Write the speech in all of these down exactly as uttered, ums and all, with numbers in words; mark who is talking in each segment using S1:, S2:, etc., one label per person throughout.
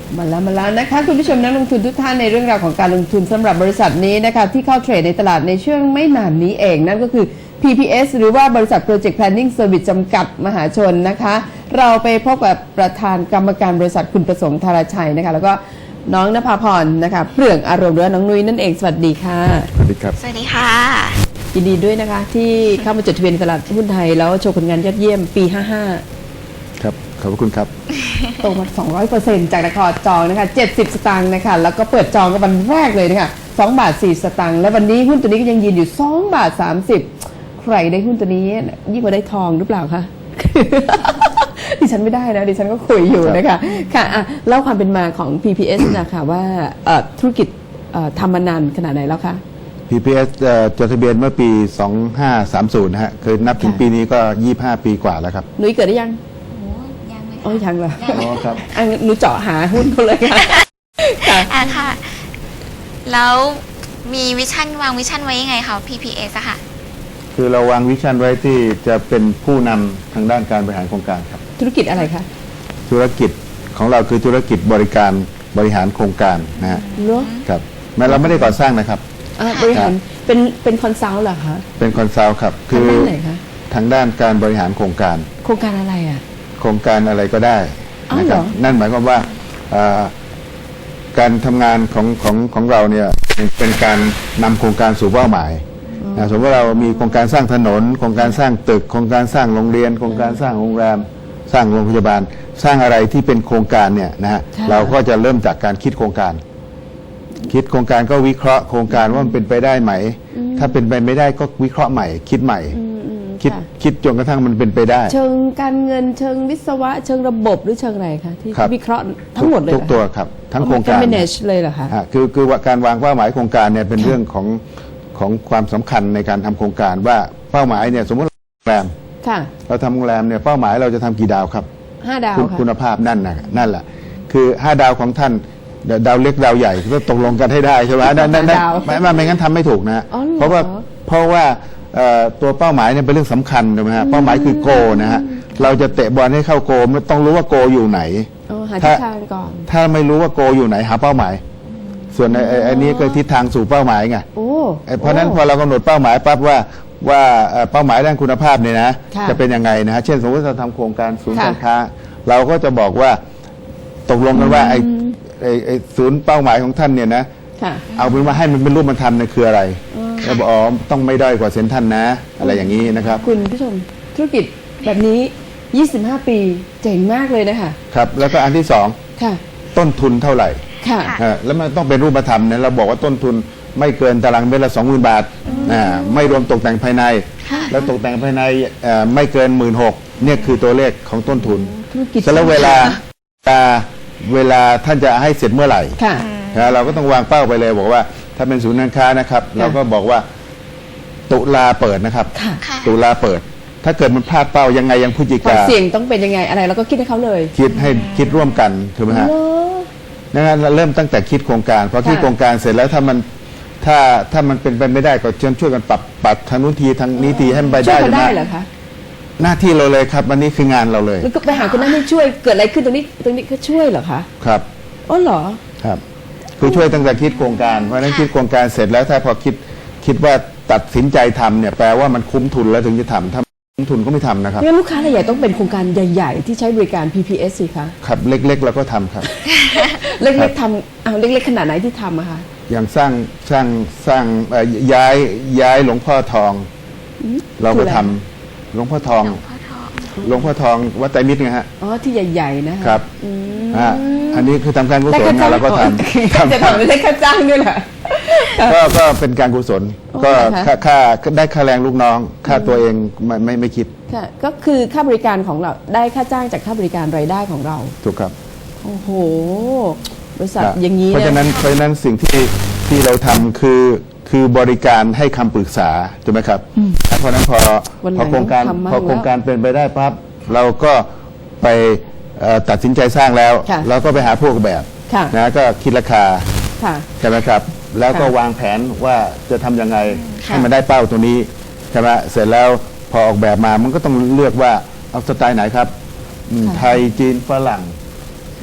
S1: มาแล้วมาแล้วนะคะคุณผู้ชมนักลงทุนทุกท่านในเรื่องราวของการลงทุนสำหรับบริษัทนี้นะคะที่เข้าเทรดในตลาดในช่วงไม่นานนี้เองนั่นก็คือ พี พี เอส หรือว่าบริษัท Project Planning Service จำกัดมหาชนนะคะเราไปพบกับประธานกรรมการบริษัทคุณประสงค์ธารชัยนะคะแล้วก็น้องณภาพรนะคะเปลืองอารมณ์หรือน้องนุ้ยนั่นเองสวัสดีค่ะ
S2: สวัสดีครับ
S3: สวัสดีค่ะ
S1: ยินดีด้วยนะคะที่เข้ามาจดทะเบียนในตลาดหุ้นไทยแล้วโชว์ผลงานยอดเยี่ยมปีห้าห้า
S2: ครับขอบคุณครับ
S1: โตมา สองร้อยเปอร์เซ็นต์ จากราคาจองนะคะเจ็ดสิบสตางค์นะคะแล้วก็เปิดจองกันวันแรกเลยนะคะสองบาทสี่สตางค์และวันนี้หุ้นตัวนี้ก็ยังยืนอยู่สองบาทสามสิบใครได้หุ้นตัวนี้ยิ่งกว่าได้ทองหรือเปล่าคะ ดิฉันไม่ได้นะดิฉันก็คุยอยู่นะคะค่ะอ่ะเล่าความเป็นมาของ พี พี เอส นะคะว่าธุรกิจทำมานานขนาดไหนแล้วคะ
S2: พี พี เอส จดทะเบียนเมื่อปีสองพันห้าร้อยสามสิบนะฮะเคยนับถึงปีนี้ก็ยี่สิบห้าปีกว่าแล้วครับ
S1: นุ้ยเกิดได้ยัง
S3: โอ้ยังเลย
S1: อ๋อยังเหรอ
S2: อ๋อครับ
S1: อันนุ้ยเจาะหาหุ้นเขาเลยค่ะ
S3: อ่ะค่ะแล้วมีวิชั่นวางวิชั่นไว้ยังไงคะ พี พี เอส อะค่ะ
S2: คือเราวางวิชั่นไว้ที่จะเป็นผู้นำทางด้านการบริหารโครงการครับ
S1: ธุรกิจอะไรคะ
S2: ธุรกิจของเราคือธุรกิจบริการบริหารโครงการนะฮะครับแม้เราไม่ได้ก่อสร้างนะครับ
S1: บริหารเป็นเป็นคอนซัลท์เหรอคะ
S2: เป็นคอนซัลท์ครับ
S1: คือทางด้านไหนคะ
S2: ทางด้านการบริหารโครงการ
S1: โครงการอะไรอ่ะ
S2: โครงการอะไรก็ได้นะครับนั่นหมายความว่าการทำงานของของของเราเนี่ยเป็นการนำโครงการสู่เป้าหมายสมมติว่าเรามีโครงการสร้างถนนโครงการสร้างตึกโครงการสร้างโรงเรียนโครงการสร้างโรงแรมสร้างโรงพยาบาลสร้างอะไรที่เป็นโครงการเนี่ยนะฮะเราก็จะเริ่มจากการคิดโครงการคิดโครงการก็วิเคราะห์โครงการว่ามันเป็นไปได้ไหมถ้าเป็นไปไม่ได้ก็วิเคราะห์ใหม่คิดใหม่คิดคิดจนกระทั่งมันเป็นไปได้
S1: เชิงการเงินเชิงวิศวะเชิงระบบหรือเชิงอะไรคะที่วิเคราะห์ทั้งหมดเลย
S2: ทุกตัวครับทั้งโครงการ
S1: manage เลยเหรอคะ
S2: คือคือว่าการวางเป้าหมายโครงการเนี่ยเป็นเรื่องของของความสำคัญในการทำโครงการว่าเป้าหมายเนี่ยสมมติโรงแรมเราทำโรงแรมเนี่ยเป้าหมายเราจะทำกี่ดาวครับ
S1: ห้าดาว
S2: คุณภาพนั่นนะนั่นแหละคือห้าดาวของท่านดาวเล็กดาวใหญ่ก็ตกลงกันให้ได้ใช่ไหมนั่นนั่นไม่ไม่งั้นทำไม่ถูกนะเพราะว่าเพราะว่าตัวเป้าหมายเนี่ยเป็นเรื่องสำคัญใช่ไหมฮะเป้าหมายคือโกนะฮะเราจะเตะบอลให้เข้าโกมันต้องรู้ว่าโกอยู่ไหน
S1: ถ้า
S2: ถ้าไม่รู้ว่าโกอยู่ไหนหาเป้าหมายส่วนไอ้นี้ก็ทิศทางสู่เป้าหมายไงเพราะนั้นพอเรากำหนดเป้าหมายปั๊บว่าว่าเป้าหมายด้านคุณภาพเนี่ยนะจะเป็นยังไงนะฮะเช่นสมมติเราทำโครงการศูนย์การค้าเราก็จะบอกว่าตกลงกันว่าไอ้ไอ้ศูนย์เป้าหมายของท่านเนี่ยนะเอาเป็นว่าให้มันเป็นรูปธรรมเนี่ยคืออะไรแล้วบอกอ๋อต้องไม่ด้อยกว่าเซ็นทรัลนะอะไรอย่างนี้นะครับ
S1: คุณผู้ชมธุรกิจแบบนี้ยี่สิบห้าปีเจ๋งมากเลยนะคะ
S2: ครับแล้วก็อันที่สองต้นทุนเท่าไหร่
S1: ค่ะ
S2: แล้วมันต้องเป็นรูปธรรมเนี่ยเราบอกว่าต้นทุนไม่เกินตารางเมตรละสองหมื่นบาทไม่รวมตกแต่งภายในแล้วตกแต่งภายในไม่เกินหมื่นหกเนี่ยคือตัวเลขของต้นทุนแล้วเวลาเวลาท่านจะให้เสร็จเมื่อไหร่เราก็ต้องวางเป้าไปเลยบอกว่าถ้าเป็นศูนย์การค้านะครับเราก็บอกว่าตุลาเปิดนะครับตุลาเปิดถ้าเกิดมันพลาดเป้ายังไงยังพฤศจิกา
S1: เสี่ยงต้องเป็นยังไงอะไรเราก็คิดให้เขาเลย
S2: คิดให้คิดร่วมกันถูกไหมฮะดังนั้นเราเริ่มตั้งแต่คิดโครงการพอคิดโครงการเสร็จแล้วถ้ามันถ้าถ้ามันเป็นไปไม่ได้ก็เชิญช่วยกันปรับปรับทางนู้นทีทางนี้ทีให้มันไปได้
S1: ช่วยได้เหรอคะ
S2: หน้าที่เราเลยครับวันนี้คืองานเราเลย
S1: แล้วก็ไปหาคนนั้นให้ช่วยเกิดอะไรขึ้นตรงนี้ตรงนี้ก็ช่วยเหรอคะ
S2: ครับ
S1: อ๋อเหรอ
S2: ครับคือช่วยตั้งแต่คิดโครงการเพราะฉะนั้นคิดโครงการเสร็จแล้วถ้าพอคิดคิดว่าตัดสินใจทำเนี่ยแปลว่ามันคุ้มทุนแล้วถึงจะทำถ้าคุ้มทุนก็ไม่ทำนะครับ
S1: งั้นลูกค้ารายใหญ่ต้องเป็นโครงการใหญ่ๆที่ใช้บริการ พี พี เอส สิคะ
S2: ครับเล็กๆเราก็ทำครับ
S1: เล็กๆทำเอาเล็กๆขนาดไหนที่ทำอะคะ
S2: อย่างสร้างสร้างสร้างย้ายย้ายหลวงพ่อทองเราก็ทำหลวงพ่อทองหลวงพ่อทองวัดไตรมิตรไงฮะ
S1: อ๋อที่ใหญ่ๆนะครับ
S2: อ่าอันนี้คือทำการกุศลเราก็ท
S1: ำจะทำไม่ได้ค่าจ้างด้วยแหละ
S2: ก็ก็เป็นการกุศลก็ค่าค่าได้ค่าแรงลูกน้องค่าตัวเองไม่ไม่ไม่คิด
S1: ค่ะก็คือค่าบริการของเราได้ค่าจ้างจากค่าบริการรายได้ของเรา
S2: ถูกครับ
S1: โอ้โหบริษัทอย่างนี้
S2: เพราะฉะนั้นเพราะฉะนั้นสิ่งที่ที่เราทำคือคือบริการให้คำปรึกษาถูกไหมครับเพราะนั้นพอพอโครงการพอโครงการเป็นไปได้ปั๊บเราก็ไปตัดสินใจสร้างแล้วเราก็ไปหาผู้ออกแบบนะก็คิดราคาใช่ไหมครับแล้วก็วางแผนว่าจะทำยังไงให้มันได้เป้าตัวนี้ใช่ไหมเสร็จแล้วพอออกแบบมามันก็ต้องเลือกว่าเอาสไตล์ไหนครับไทยจีนฝรั่ง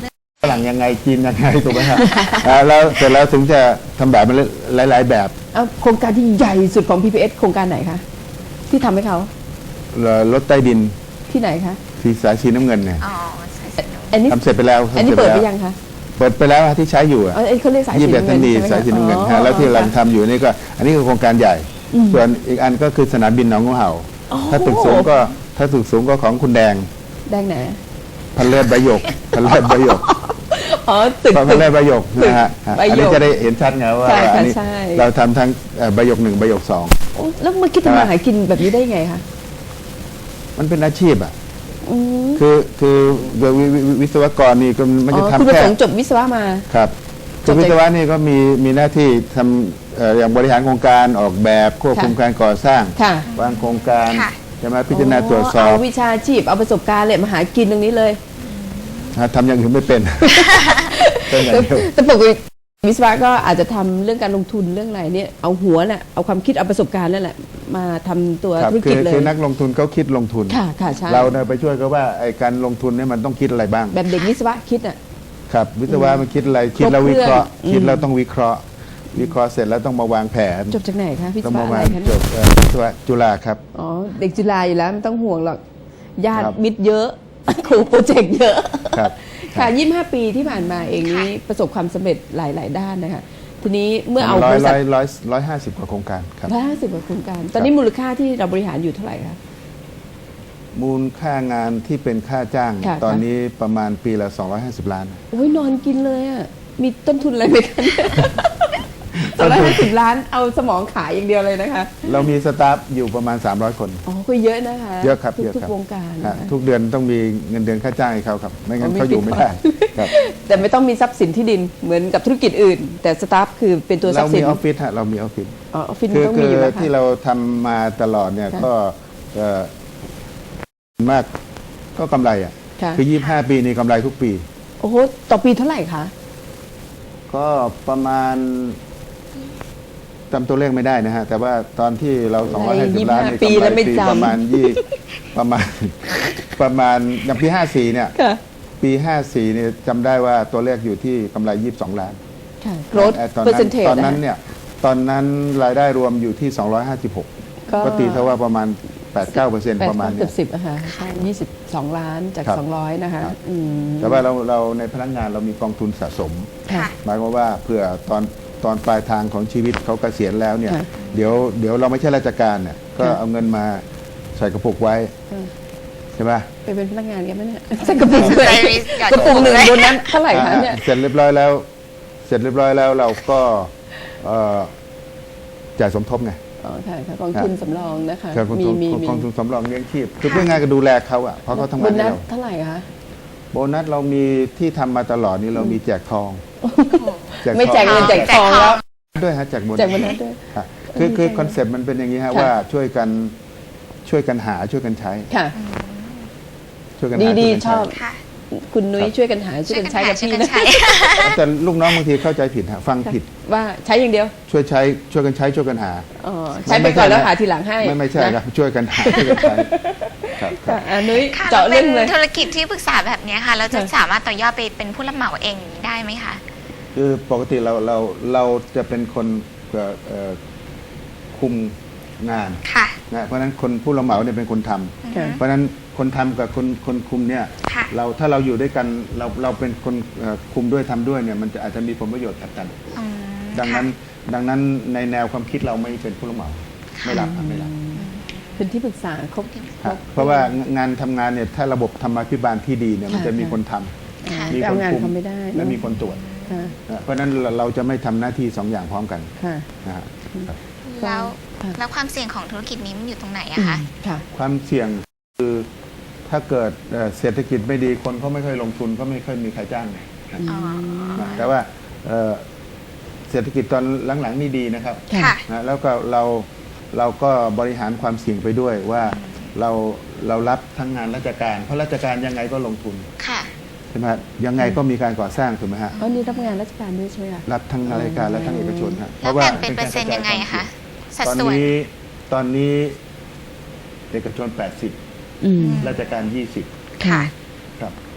S2: ฝรั่งยังไงจีนยังไงถูกไหมครับ อ่าแล้วเสร็จแล้วถึงจะทำแบบมันหลาย ๆ แบบ
S1: เอาโครงการที่ใหญ่สุดของ พี พี เอส โครงการไหนคะที่ทำให้เขา
S2: เอ่อรถใต้ดิน
S1: ที่ไหนคะ
S2: สีสายสีน้ำเงินเนี่ย
S3: อ๋อใช่ใช่
S1: อันนี้
S2: ทำเสร็จไปแล้ว
S1: อันนี้
S2: ทำส
S1: เปิ
S2: ร็
S1: ด
S2: จ
S1: ไป
S2: แล้ว
S1: ยังคะ
S2: เปิดไปแล้วที่ใช้อยู่อะ
S1: อ๋อเอ้ยเขาเรียกสายสี
S2: ยี่สิบเอ็ด
S1: น้ำ
S2: ทั
S1: เงิ
S2: น
S1: น
S2: ดี
S1: ใช่ไหม
S2: สายสีน้ำเงิน
S1: อ๋อ
S2: ฮะแล้วที่เรา
S1: ค่ะ
S2: ทำอยู่นี่ก็ อันนี้คือโครงการใหญ่ ส่วนอีกอันก็คือสนามบินหนองงูเห่า
S1: อ๋อ
S2: ถ้าตึกสูงก็ถ้าตึกสูงก็ของคุณแดง
S1: แดงไหน
S2: พันเลิศใบหยกพันเลิศใบหยก
S1: อ๋อตึก
S2: พัน
S1: ตึก
S2: เลิศใบหยกนะฮะ
S1: ใบหยก
S2: อันนี้จะได้เห็นชัดไงว่า
S1: ใช่ค่ะ
S2: อันนี้
S1: ใช่
S2: เราทำทั้งเอ่อใบหยกหนึ่งใบหยกสอง
S1: โอ้แล้วมาคิดทำมาหากินแบบนี้ได้ไงคะ
S2: มันเป็นอาชีพอ่ะ
S1: อืม
S2: คือคือวิวิวิวิศวกรนี่ก็มัน
S1: อ๋
S2: จะ
S1: อ
S2: ทำ
S1: คุณประ
S2: แค่
S1: สงค์จบวิศวะมา
S2: ครับ
S1: จ
S2: คื
S1: บ
S2: อ
S1: จาก
S2: วิศวะนี่ก็มีมีหน้าที่ทำเอ่ออย่างบริหารโครงการออกแบบควบคุม
S1: ค่ะ
S2: การก่อสร้าง
S1: ค่ะ
S2: วางโครงการ
S3: ค่ะ
S2: จะมาพิจารณาตรวจสอบ
S1: เอาวิชาชีพเอาประสบการณ์เลยมาหากินตรงนี้เลย
S2: นะทำอย่างอื่นไม่เป็น เป็นอย่างเดียว
S1: แต่ปกติวิศวะก็อาจจะทำเรื่องการลงทุนเรื่องอะไรเนี่ยเอาหัวน่ะเอาความคิดเอาประสบการณ์นั่นแหละมาทำตัว
S2: ครับ
S1: ธุร
S2: คื
S1: กิจ
S2: อ
S1: เลย
S2: คือนักลงทุนเขาคิดลงทุน
S1: ค่ะค่ะใช่
S2: เราเนี่ยไปช่วยเขาว่าไอ้การลงทุนเนี่ยมันต้องคิดอะไรบ้าง
S1: แบบเด็กวิศวะคิดอ่ะ
S2: ครับ วิศวะมันคิดอะไรคิดแล้ว
S1: ครบ
S2: วิเคราะห์
S1: เครื่อง
S2: คิดแล้ว
S1: อืม
S2: ต้องวิเคราะห์ วิเคราะห์เสร็จแล้วต้องมาวางแผน
S1: จบจากไหนคะวิศ
S2: ต้อง
S1: วะ
S2: มา
S1: อะไร
S2: วาง
S1: คะ
S2: จ
S1: เนี่ย
S2: บเอ่อวิศวะจุฬาครับ
S1: อ๋อเด็กจุฬาอยู่แล้วไม่ต้องห่วงหรอกญาติ
S2: ครับ
S1: มิตรเยอะ ครูโปรเจกต์เยอะ
S2: ครับ
S1: ค่ะยี่สิบห้าปีที่ผ่านมาเองนี้ประสบความสำเร็จหลาย ๆ ด้านนะคะทีนี้เมื่อเอา
S2: ร้
S1: บ
S2: อย
S1: ริษั
S2: ร้
S1: ท
S2: อยร้อยร้อยห้าสิบกว่าโครงการครับ
S1: ร้อยห้าสิบกว่าโครงการ ตอนนี้มูลค่าที่เราบริหารอยู่เท่าไหร่คะ
S2: มูลค่างานที่เป็นค่าจ้าง
S1: ค่ะ
S2: ตอนนี้ประมาณปีละ สองร้อยห้าสิบ ล้าน
S1: โอ้ยนอนกินเลยอ่ะ มีต้นทุนอะไรไหมคะ สองร้อยห้าสิบล้านเอาสมองขายอย่างเดียวเลยนะคะ
S2: เรามีสตาฟอยู่ประมาณ สามร้อย คน
S1: อ๋อก็เยอะนะคะ
S2: เยอะครับ
S1: ทุก
S2: เยอะ
S1: ทุก
S2: ครับ
S1: วงการ
S2: ฮะ
S1: นะคะ
S2: ทุกเดือนต้องมีเงินเดือนค่าจ้างให้เขาครับ ไม่งั้น
S1: อ๋อไม่
S2: เขาอยู่
S1: ติด
S2: ไม่ได้ครับ
S1: แต่ไม่ต้องมีทรัพย์สินที่ดินเหมือนกับธุรกิจอื่น แต่สตาฟคือเป็นตัวทรั
S2: เรา
S1: พย์สิ
S2: มี
S1: น
S2: ออฟฟิศฮะเรามีออฟฟิศ
S1: อ๋อออฟฟิศ
S2: คือ
S1: ต้อง
S2: คื
S1: มี
S2: อ
S1: อยู่แล้ว
S2: ที่
S1: ค่ะ
S2: เราทำมาตลอดเนี่ย
S1: ค่ะ
S2: ก็เอ่อมากก็กำไรอ่ะ
S1: ค่ะ
S2: คือยี่สิบห้าปีนี่กำไรทุกปี
S1: โอ้โหต่อปีเท่าไหร่คะ
S2: ก็ประมาณจำตัวเลขไม่ได้นะฮะ แต่ว่าตอนที่เรา สองร้อยห้าสิบ ล้านนี่
S1: ปี
S2: กำไร
S1: แล้วไม่
S2: ปี
S1: จำ
S2: ประมาณยี่ประมาณ ประมาณอย่างปีห้าสี่เนี่ย
S1: ค่ะ
S2: ปีห้าสี่เนี่ยจำได้ว่าตัวเลขอยู่ที่กำไรยี่สิบสองล้าน
S1: ค่ะ growth
S2: เอ่อตอนนั้น
S1: percentage
S2: ตอนนั้น
S1: ะคะ
S2: เนี่ยตอนนั้นรายได้รวมอยู่ที่สองร้อยห้าสิบหก
S1: ก็
S2: ก็ตีเท่าว่าประมาณ แปดเก้าเปอร์เซ็นต์
S1: แปด
S2: ประมาณ
S1: เกื
S2: เนี้
S1: อย บสิบอะค่ะใช่ยี่สิบสองล้านจาก
S2: ครับ
S1: สองร้อยนะคะ
S2: ครับ
S1: อืม
S2: แต่ว่าเราเราในพนักงานเรามีกองทุนสะสม
S1: ค่ะ
S2: หมายความว่าเผื่อตอนตอนปลายทางของชีวิตเขาเกษียณแล้วเนี่ย
S1: ค่ะ
S2: เดี๋ยวเดี๋ยวเราไม่ใช่ราชการเนี่ยก็
S1: ค่ะ
S2: เอาเงินมาใส่กระปุกไว้
S1: ค่ะ
S2: ใช่ไหม
S1: ไปเป็นพนักงานกันไหมเนี่ยใส่กระปุกเลย
S3: ใส่วิสกัด
S1: กระปุกหนึ่งบนนั้นเท่าไหร่คะเนี่ย
S2: อ่าเสร็จเรียบร้อยแล้ว เสร็จเรียบร้อยแล้วเราก็เอ่อจ่ายสมทบไง
S1: อ๋อค่ะค่ะกองทุนสำรองนะคะ
S2: ครับกอง
S1: มี
S2: ทุน
S1: มีมี
S2: กองทุนสำรองเลี้ยงชีพคือเพื่องานก็ดูแลเขาอ่ะเพราะเขาทำ
S1: บ
S2: งาน
S1: น
S2: ให้
S1: นั้น
S2: เรา
S1: เท่าไหร่คะ
S2: โบนัสเรามีที่ทำมาตลอดนี่เรามีแจกทอง
S1: ไม่แจกเงินแจก
S3: แจ
S1: ท
S3: ก
S1: อง
S3: ทอง
S1: แล้ว
S2: ด้วยฮะแจกโบนัส
S1: แจกโบนัสด้วย
S2: ครับคือคือคอนเซ็ปต์มันเป็นอย่างนี้ฮะ
S1: ค่ะ
S2: ว่าช่วยกันช่วยกันหาช่วยกันใช้
S1: ค่ะ
S2: ช่วยกันหา
S1: ดี
S2: ช่วย
S1: ดี
S2: กัน
S1: ชอบ
S3: ค่ะ
S1: คุณนุ้ยช่วยกันหาช่วยกันใช้กับ
S3: ช่วย
S1: พี่
S3: กัน
S1: นะ
S3: ใช้
S2: แต่ลูกน้องบางทีเข้าใจผิดฮะฟังผิด
S1: ว่าใช้อย่างเดียว
S2: ช่วยใช้ช่วยกันใช้ช่วยกันหา
S1: อ๋อใช้ไปก่อนแล้วหาทีหลังให้
S2: ไม่ไม่ใช่
S1: นะครับ
S2: ช่วยกันหาช่วยกันใช้ครับครั
S1: ค่ะ
S2: บ
S1: อ่ะนุ้ย
S3: ค่ะ
S1: เจาะ
S3: เรา
S1: เรื่องเล
S3: เป็
S1: ย
S3: นธุรกิจที่ปรึกษาแบบเนี้ยค่ะ เราจะ
S1: ค่ะ
S3: สามารถต่อยอดไปเป็นผู้รับเหมาเองได้ไหมคะ
S2: คือปกติเราเราเราจะเป็นคนเอ่อเอ่อคุมงาน
S3: ค่ะ
S2: นะเพราะฉะนั้นคนผู้รับเหมาเนี่ยเป็นคนทำ
S1: ค่ะ
S2: เพราะฉะนั้นคนทำกับคนคนคุมเนี่ย
S3: ค่ะ
S2: เราถ้าเราอยู่ด้วยกันเราเราเป็นคนเอ่อคุมด้วยทำด้วยเนี่ยมันจะอาจจะมีผลประโยชน์ขัดกัน
S3: อืม
S2: ดังนั้น
S3: ค่ะ
S2: ดังนั้นในแนวความคิดเราไม่เป็นผู้รับเหมาไม่รับครับไม่รับ
S1: เป็นที่ปรึกษาครบ
S2: ครับเพราะว่างานทำงานเนี่ยถ้าระบบธรรมาภิบาลที่ดีเนี่ยมัน
S1: ค่ะ
S2: จะมีคนท
S3: ค่ะ
S2: ำมี
S1: ไป
S2: ค
S1: เอา
S2: น
S1: งาน
S2: คุม
S1: เขาไม่ได้
S2: และ
S1: เนอะ
S2: มีคนตรวจ
S1: ค่ะ
S2: นะเพราะฉะนั้นเราเราจะไม่ทำหน้าที่สองอย่างพร้อมกัน
S1: ค่ะ
S2: นะฮะครับ
S3: แล้ว
S1: ค่ะ
S3: แล้วความเสี่ยงของธุรกิจนี้มันอยู่ตรงไหนอะคะ
S1: ค่ะ
S2: ความเสี่ยงคือถ้าเกิดเอ่อเศรษฐกิจไม่ดีคนเขาไม่ค่อยลงทุนก็ไม่ค่อยมีใครจ้างนะ
S3: อ๋อ
S2: นะแต่ว่าเอ่อเศรษฐกิจตอนหลังๆนี่ดีนะครับ
S1: ค่ะ
S3: ค่ะ
S2: นะแล้วก็เราเราก็บริหารความเสี่ยงไปด้วยว่าเราเรารับทั้งงานราชการ เพราะราชการยังไงก็ลงทุน
S3: ค่ะ
S2: ใช่ไหมฮะยังไงก็มีการก่อสร้างถูกไหมฮะ
S1: อ๋อนี่รับงานราชการด้วยใช่ไหมคะ
S2: รับทั้งราชการและทั้งเอกชนฮะ
S3: แล้วแบ่งเป็นเปอร์เซ็นต์ยังไงคะ สัด
S2: ตอน
S3: ส่วน
S2: นี้ตอนนี้เอกชนแปดสิบ
S1: อืม
S2: ราชการยี่สิบ
S3: ค่ะ
S2: ครับ
S1: อ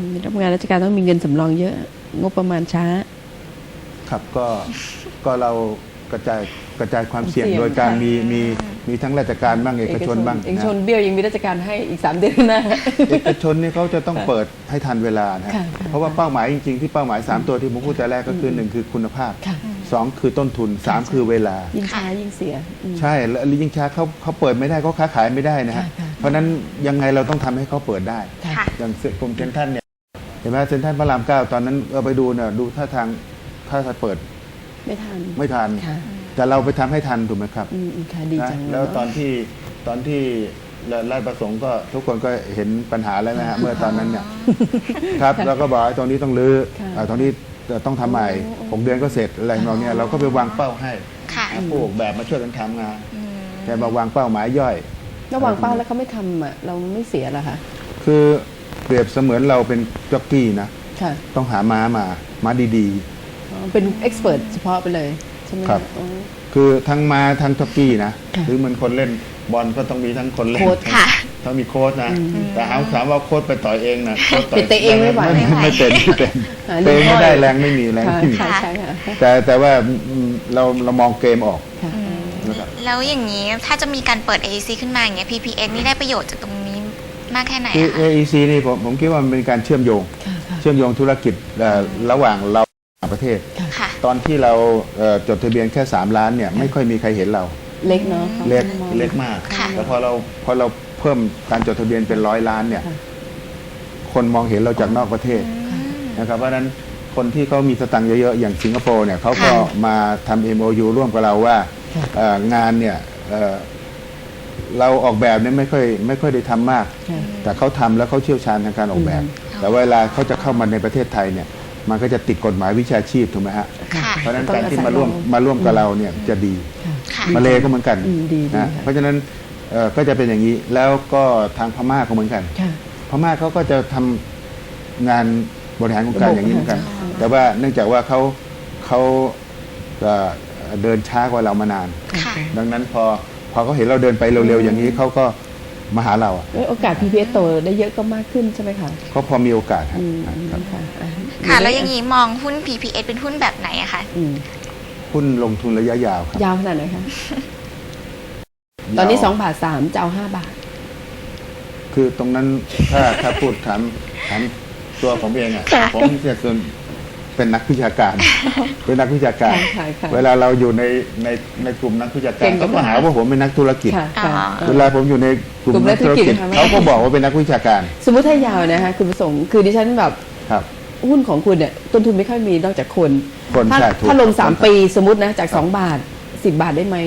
S1: รับงานราชการต้องมีเงินสำรองเยอะงบประมาณช้า
S2: ครับก็ก็เรากระจายกระจายความเสี่ยง
S1: เสี่ยง
S2: โดยการ
S1: ค่ะ
S2: มีมีมีทั้งราชการบ้างเอกชนบ้าง
S1: เอกชน
S2: นะ
S1: เบี้ยวยังมีราชการให้อีกสามเดือนหน้า
S2: เอกชนนี่เขาจะต้องเปิดให้ทันเวลานะ
S1: ค่ะค่ะ
S2: เพราะว่าเป้าหมายจริงๆที่เป้าหมายสามตัวที่ผมพูดแต่แรกก็คือหนึ่งคือคุณภาพ
S1: ค่ะ
S2: สองคือต้นทุนสามคือเวลา
S1: ยิ่งช้ายิ่งเสียอืม
S2: ใช่แล้วยิ่งช้าเขาเขาเปิดไม่ได้เขาค้าขายไม่ได้นะฮะ
S1: ค่ะค่ะ
S2: เพราะฉะนั้นยังไงเราต้องทำให้เขาเปิดได้
S1: ค่ะ
S3: ค่ะ
S2: อย่างกรมเซ็นทรัลเนี่ยเห็นไหมเซ็นทรัลพระรามเก้าตอนนั้นเราไปดูเนี่ยดูท่าทางถ้าจะเปิด
S1: ไม่ทัน
S2: ไม่ทัน
S1: ค่ะ
S2: แต่เราไปทำให้ทันถูกไหมครับ
S1: อืมอืมค่ะดีจัง
S2: นะ
S1: เย
S2: แล้ว
S1: เะ
S2: ตอนที่ตอนที่ราชประสงค์ก็ทุกคนก็เห็นปัญหาแล้วนะฮะเมื่อตอนนั้นเนี่ยครับแล้วก็บอกว่าตรงนี้ต้องรื้อ
S1: ค่ะ
S2: อ่าตรงนี้ต้องทำใหม่หกเดือนก็เสร็จอะไรของเราเนี่ยเราก็ไปวางเป้าให้
S3: ค่ะ
S2: ผู้ออกแบบมาช่วยกันทำงาน
S3: อืม
S2: แต่มาวางเป้าหมายย่อย
S1: ระหว่างเป้าแล้วเขาไม่ทำอ่ะเราไม่เสียเหรอคะ
S2: คือเปรียบเสมือนเราเป็นจ็อกกี้นะ
S1: ค่ะ
S2: ต้องหาม้ามาม้าดี
S1: อ๋อเป็นเอ็กซ์เพรสเฉพาะไปเลยใช่ไหมะ
S2: ครับ
S1: อ๋อ
S2: ๆ คือทั้งม้าทั้งจ็อกกี้นะ
S1: ค่ะ
S2: หรือเหมันคนเล่นบอลก็ต้องมีทั้งคนเล่น
S1: โค้ช
S3: ค่ะ
S2: ต้องมีโค้ชนะ แต่เอาถามว่าโค้ชไปต่อยเองนะโค้ชต่อย
S1: เตะเองไม่ไหว
S2: ไม่ไม่เป็นไม่เป็น
S1: หา
S2: เตะเองไม่ได้
S1: เรื่อง
S2: แรงไม่มีแรง
S1: ค่ะ
S2: ไม่มี
S1: ค่ะใช่ค่ะ
S2: แต่แต่ว่าอืมเราเรามองเกมออก
S1: ค่ะ
S2: นะครับ
S3: แล้วอย่างนี้ถ้าจะมีการเปิด เอ อี ซี ขึ้นมาอย่างเงี้ย พี พี เอส นี่ได้ประโยชน์จากตรงนี้มากแค่ไหน
S2: คือ
S3: อะ
S2: เอ
S3: คะ
S2: ไอ ซี นี่ผมผมคิดว่ามันเป็นการเชื่อมโยง
S1: ค่ะค่ะ
S2: เชื่อมโยงธุรกิจเอ่อระหว่างเรากับประเทศ
S3: ค่ะ
S2: ตอนที่เราเอ่อจดทะเบียนแค่สามล้านเนี่ยไม่ค่อยมีใครเห็นเรา
S1: เล็กเนาะ
S2: เล็ก
S1: มอง
S2: เล็กมาก
S3: ค่ะ
S2: แต่พอเราพอเราเพิ่มการจดทะเบียนเป็นร้อยล้านเนี่ย
S1: ค่ะ
S2: คนมองเห็นเราจากนอกประเทศ
S3: อืม
S2: นะครับเพราะฉะนั้นคนที่เขามีสตังค์เยอะๆ อย่างสิงคโปร์เนี่ยเขาก็
S3: ค่ะ
S2: มาทำ เอ็ม โอ ยู ร่วมกับเราว่า
S1: ค่ะ
S2: เอ่องานเนี่ยเอ่อเราออกแบบเนี่ยไม่ค่อยไม่ค่อยได้ทำมาก
S1: ค่ะ
S2: แต่เขาทำแล้วเขาเชี่ยวชาญทางการออกแบบ
S1: อืม
S2: แต่เวลาเขาจะเข้ามาในประเทศไทยเนี่ยมันก็จะติดกฎหมายวิชาชีพถูกไหมฮะ
S3: ค่ะ
S2: เพราะฉะนั้น
S1: ต้อง
S2: การที่
S1: อาศัย
S2: มาร่วม
S1: เรา
S2: มาร่วมกับเราเนี่ยจะดี
S1: ค่ะ
S3: ค่ะ
S2: มาเลก็เหมือนกัน
S1: อืมดีดี
S2: นะ
S1: ค่ะ
S2: เพราะฉะนั้นเอ่อก็จะเป็นอย่างนี้แล้วก็ทางพม่าก็เหมือนกัน
S1: ค่ะ
S2: พม่าเขาก็จะทำงานบริหารโครงการ
S1: ระบบ
S2: อย่างนี้เหมือนกัน
S1: ค่ะ
S2: แต่ว่าเนื่องจากว่าเขาเขาเอ่อเดินช้ากว่าเรามานาน
S3: ค่ะ
S2: ดังนั้นพอพอเขาเห็นเราเดินไปเร็วๆอย่างนี้เขาก็มาหาเราอะ
S1: เอ้ยโอกาส พี พี เอส โตได้เยอะก็มากขึ้นใช่ไหมคะ
S2: เขาพอมีโอกาสฮะ
S1: อืม
S2: ครับ
S1: ค่ะอ่ะ
S3: ค่ะ แล้วอย่างนี้มองหุ้น พี พี เอส เป็นหุ้นแบบไหนอะคะ
S1: อืม
S2: หุ้นลงทุนระยะยาวครับ
S1: ยาวขนาดไหนคะ ตอนนี้สองบาทสามจะเอาห้าบาท
S2: คือตรงนั้นถ้าถ้าพูดถามถามตัวผมเองอ่ะ
S1: ค่ะ
S2: ผมจะเป็นเป็นนักวิชาการ เป็นนักวิชาการ
S1: ค่ะค่ะค่ะ
S2: เวลาเราอยู่ในในในกลุ่มนักวิชาการ
S1: เก่งกับ
S2: เขาก็หาว่าผมเป็นนักธุรกิจ
S1: ค่ะค่ะ
S3: อ๋อ
S1: เอ
S2: เว
S1: อ
S2: ลาผมอยู่ในกลุ่ม
S1: กลุ่มนั
S2: นั
S1: ก
S2: ก
S1: ธุ
S2: ธุ
S1: ร
S2: ร
S1: กิจ
S2: กิจ
S1: ค่ะ
S2: เขาก็บอกว่าเป็นนักวิชาการ
S1: สมมติถ้ายาวนะคะคุณประสงค์คือดิฉันแบบ
S2: ครับ
S1: หุ้นของคุณเนี่ยต้นทุนไม่ค่อยมีนอกจากคน
S2: คน
S1: ถ้า
S2: ใช่ถูก
S1: ถ้าลงสาม
S2: ครับ
S1: ปีสมมตินะจากสองบาทสิบบาทได้ไหม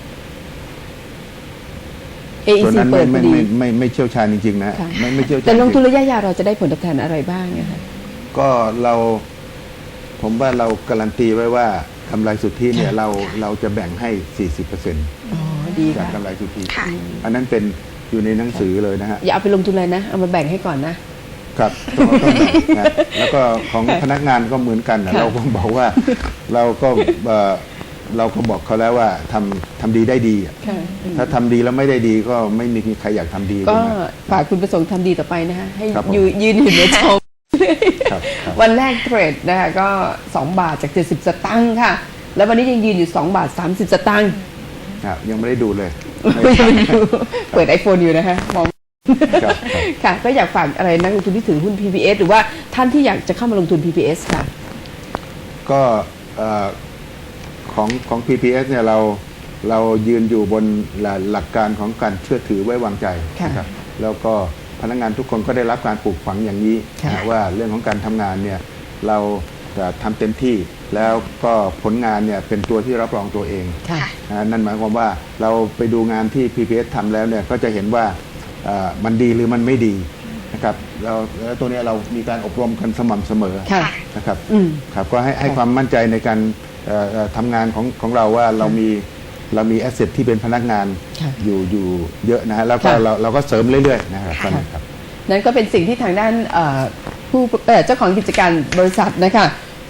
S1: เอ อี
S2: ส่วน
S1: ซี
S2: นั้น
S1: เปิ
S2: ไม่
S1: ดพ
S2: ไม่
S1: อดี
S2: ไม่ไม่ไม่เชี่ยวชาญจริงๆนะฮะ
S1: ค่ะ
S2: ไม่ไม่เชี่ยวชาญ
S1: แต่ลงทุน
S2: จริ
S1: ระยะยาวเราจะได้ผลตอบแทนอะไรบ้างนะคะ
S2: ก็เราผมว่าเราการันตีไว้ว่ากำไรสุทธิเนี่ย
S1: ค่ะ
S2: เราเราจะแบ่งให้ สี่สิบเปอร์เซ็นต์
S1: อ๋อดี
S2: จาก
S1: ค่ะ
S2: กำไรสุทธิ
S3: ค่ะ
S2: อันนั้นเป็นอยู่ในหนังสือเลยนะฮะ
S1: อย่าเอาไปลงทุนเลยนะ เอามาแบ่งให้ก่อนนะ
S2: ครับต้องต้องแบ่งนะแล้วก็ของพนักงานก็เหมือนกันนะ
S1: ค่ะ
S2: เราก็บอกว่าเราก็เอ่อเราก็บอกเขาแล้วว่าทำทำดีได้ดีอะ
S1: ค่ะ
S2: ถ้าทำดีแล้วไม่ได้ดีก็ไม่มีใครอยากทำดี
S1: ก็
S2: ถูไหม
S1: ฝากคุณประสงค์ทำดีต่อไปนะคะให้
S2: ครับผม
S1: ยืนยืนอยู่ในช่อง
S2: ครับครับ
S1: วันแรกเทรดนะคะก็สองบาทจากเจ็ดสิบสตางค์ค่ะ แล้ววันนี้ยังยืนอยู่สองบาทสามสิบสตางค์
S2: ครับยังไม่ได้ดูเลย
S1: เปิด iPhone อยู่นะคะมอง
S2: ครับครับ
S1: ค่ะ ก็อยากฝากอะไรนักลงทุนที่ถือหุ้น พี พี เอส หรือว่าท่านที่อยากจะเข้ามาลงทุน พี พี เอส ค่ะ
S2: ก็เอ่อของของ พี พี เอส เนี่ยเราเรายืนอยู่บนหลักหลักการของการเชื่อถือไว้วางใจ
S1: ค่ะ
S2: นะครับแล้วก็พนักงานทุกคนก็ได้รับการปลูกฝังอย่างนี้
S1: ค่ะ
S2: นะว่าเรื่องของการทำงานเนี่ยเราจะทำเต็มที่ แล้วก็ผลงานเนี่ยเป็นตัวที่รับรองตัวเอง
S1: ค่ะ
S2: นะนั่นหมายความว่าเราไปดูงานที่ พี พี เอส ทำแล้วเนี่ยก็จะเห็นว่าเอ่อมันดีหรือมันไม่ดีนะครับเราแล้วตัวเนี้ยเรามีการอบรมกันสม่ำเสมอ
S1: ค่ะ
S2: นะครับ
S1: อืม
S2: ครับก็ให้ให้
S1: ค่ะ
S2: ความมั่นใจในการเอ่อเอ่อทำงานของของเราว่าเรามีเรามีแอสเซทที่เป็นพนักงาน
S1: ค่ะ
S2: อยู่อยู่เยอะนะฮะแล้วก็
S1: ค่ะ
S2: เราเราก็เสริมเรื่อยๆนะครับตอนนี้ครับ
S1: นั่นก็เป็นสิ่งที่ทางด้านเอ่อผู้เอ่อเจ้าของกิจการบริษัทนะคะ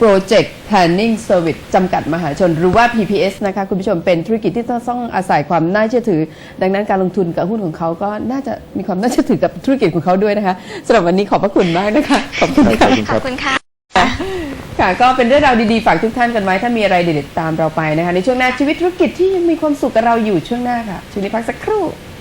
S1: Project Planning Service จำกัดมหาชนหรือว่า พี พี เอส นะคะคุณผู้ชมเป็นธุรกิจที่ต้องอาศัยความน่าเชื่อถือ ดังนั้นการลงทุนกับหุ้นของเขาก็น่าจะมีความน่าเชื่อถือกับธุรกิจของเขาด้วยนะคะสำหรับวันนี้ขอบพระคุณมากนะคะขอบคุณ
S2: ข
S1: ค่ะ
S2: อบคุณ
S3: ข
S2: ค
S3: อ
S2: รั
S3: บบ คุณค่ะ
S1: ค่ะก็เป็นเรื่องราวดีๆฝากทุกท่านกันไว้ถ้ามีอะไรเด็ดๆตามเราไปนะคะในช่วงหน้าชีวิตธุรกิจที่ยังมีความสุขกับเราอยู่ช่วงหน้าค่ะช่วงนี้พักสักครู่